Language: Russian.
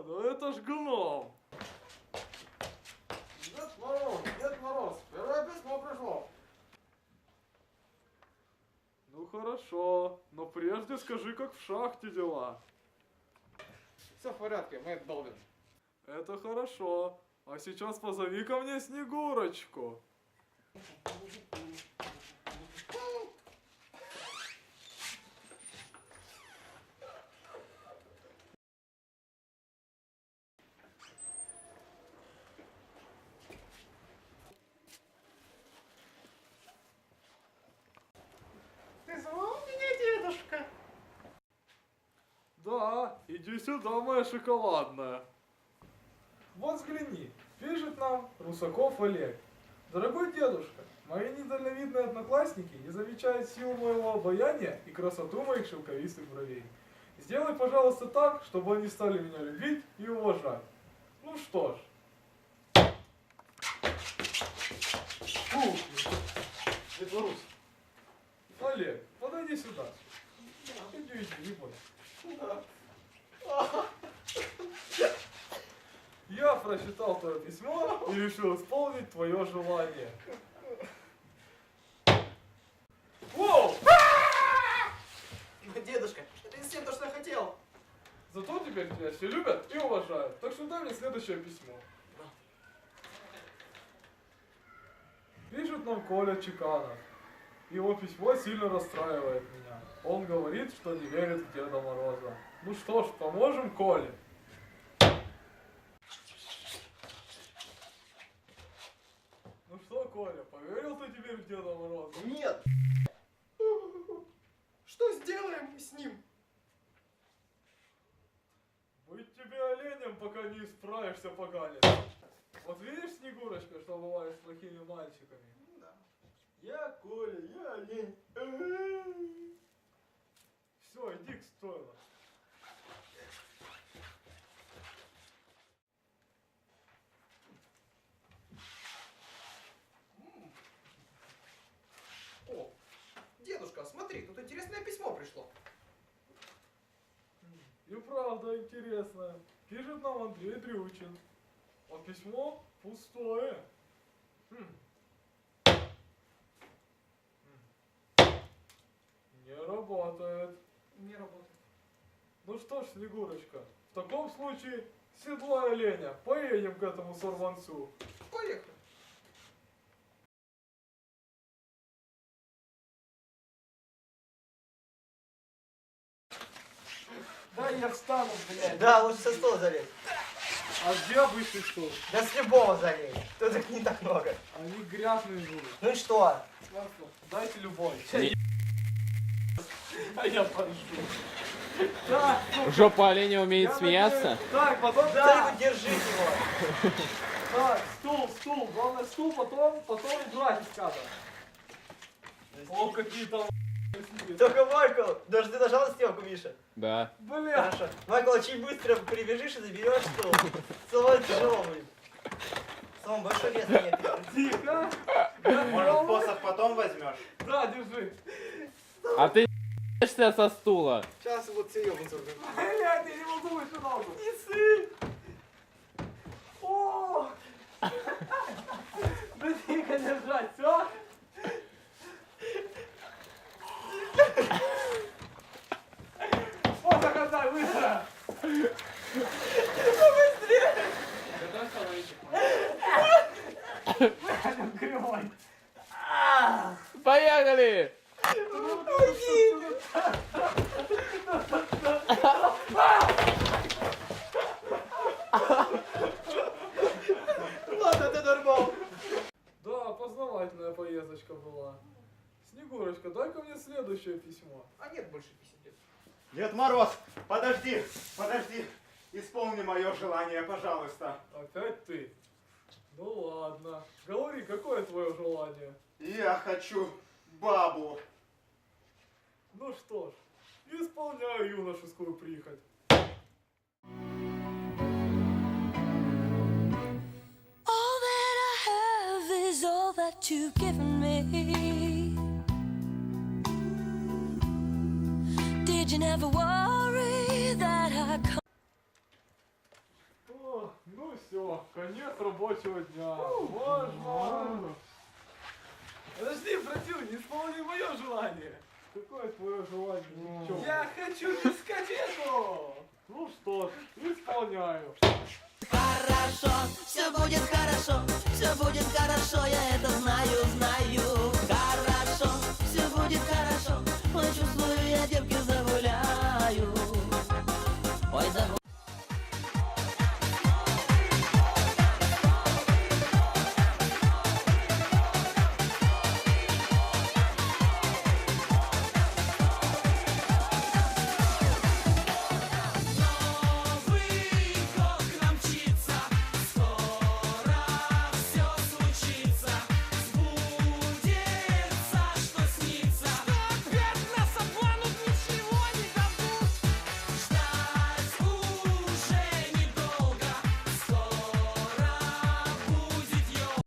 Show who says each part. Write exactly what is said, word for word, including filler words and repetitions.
Speaker 1: ну это ж гном.
Speaker 2: Дед Мороз, Дед Мороз, первое письмо пришло.
Speaker 1: Ну хорошо, но прежде скажи, как в шахте дела.
Speaker 2: Все в порядке, мы долбим.
Speaker 1: Это хорошо. А сейчас позови ко мне Снегурочку.
Speaker 2: Ты звал меня, дедушка?
Speaker 1: Да, иди сюда, моя шоколадная. Вот взгляни, пишет нам Русаков Олег. Дорогой дедушка, мои недальновидные одноклассники не замечают силу моего обаяния и красоту моих шелковистых бровей. Сделай, пожалуйста, так, чтобы они стали меня любить и уважать. Ну что ж. Фу,
Speaker 2: Дед Мороз.
Speaker 1: Олег, подойди сюда. Иди, иди, не бойся. Я прочитал твое письмо и решил исполнить твое желание. Воу!
Speaker 2: Дедушка, это не совсем то, что я хотел.
Speaker 1: Зато теперь тебя все любят и уважают. Так что дай мне следующее письмо. Пишет нам Коля Чеканов. Его письмо сильно расстраивает меня. Он говорит, что не верит в Деда Мороза. Ну что ж, поможем Коле. Ну что, Коля, поверил ты теперь в Деда Мороза?
Speaker 2: Нет. Что сделаем с ним?
Speaker 1: Быть тебе оленем, пока не исправишься, поганец. Вот видишь, Снегурочка, что бывает с плохими мальчиками?
Speaker 2: Да. Я Коля, я олень.
Speaker 1: Все, иди к стойлу.
Speaker 2: О, дедушка, смотри, тут интересное письмо пришло.
Speaker 1: И правда интересно. Пишет нам Андрей Дрючин. А письмо пустое. Хм. Не работает.
Speaker 2: Не работает.
Speaker 1: Ну что ж, Снегурочка, в таком случае седлай оленя, поедем к этому сорванцу.
Speaker 2: Поехали.
Speaker 1: Да, я встану, блядь.
Speaker 3: Да, лучше со стола залезть.
Speaker 1: А где обычный стул?
Speaker 3: Да с любого залезь. Тут их не так много.
Speaker 1: Они грязные будут.
Speaker 3: Ну и что?
Speaker 1: Дайте любой. А я пошел. Так, ну,
Speaker 4: Жопа оленя умеет
Speaker 1: я
Speaker 4: смеяться?
Speaker 1: надеюсь- Так, потом
Speaker 3: Да,
Speaker 1: так.
Speaker 3: держи его.
Speaker 1: Так, стул, стул. Главное стул, потом, потом убрать из кадра. О, какие там
Speaker 3: Только, Майкл, даже ты нажал на стрелку, Миша?
Speaker 4: Да.
Speaker 1: Бля.
Speaker 3: Хорошо. Майкл, очень быстро прибежишь и заберешь стол. Самому тяжело будет. Самому большой вес нет.
Speaker 1: Тихо.
Speaker 5: Может, посох потом возьмешь?
Speaker 1: Да, держи.
Speaker 4: А ты ешься со стула.
Speaker 2: Сейчас вот серьезно.
Speaker 1: Блядь, я не могу еще ногу. Не сы. О. Да тихо держать, все? Вот так отдай, быстро. Блядь, кривой.
Speaker 4: Поехали!
Speaker 3: Ладно, ты нормал.
Speaker 1: Да, познавательная поездочка была. Снегурочка, дай-ка мне следующее письмо.
Speaker 2: А нет больше писем, дед.
Speaker 5: Дед Мороз, подожди, подожди. Исполни мое желание, пожалуйста.
Speaker 1: Опять ты? Ну ладно. Говори, какое твое желание?
Speaker 5: Я хочу бабу.
Speaker 1: Ну что ж, исполняю юношескую прихоть.
Speaker 6: All that I have is all that you've given me. Did you never worry that I come?
Speaker 1: Все, конец рабочего дня. Можно. Подожди, братил, не исполни мое желание. Какое твое желание? Чё? Я хочу дискотеку. Ну что ж, исполняю.
Speaker 6: Хорошо, все будет хорошо, все будет хорошо, я это знаю, знаю.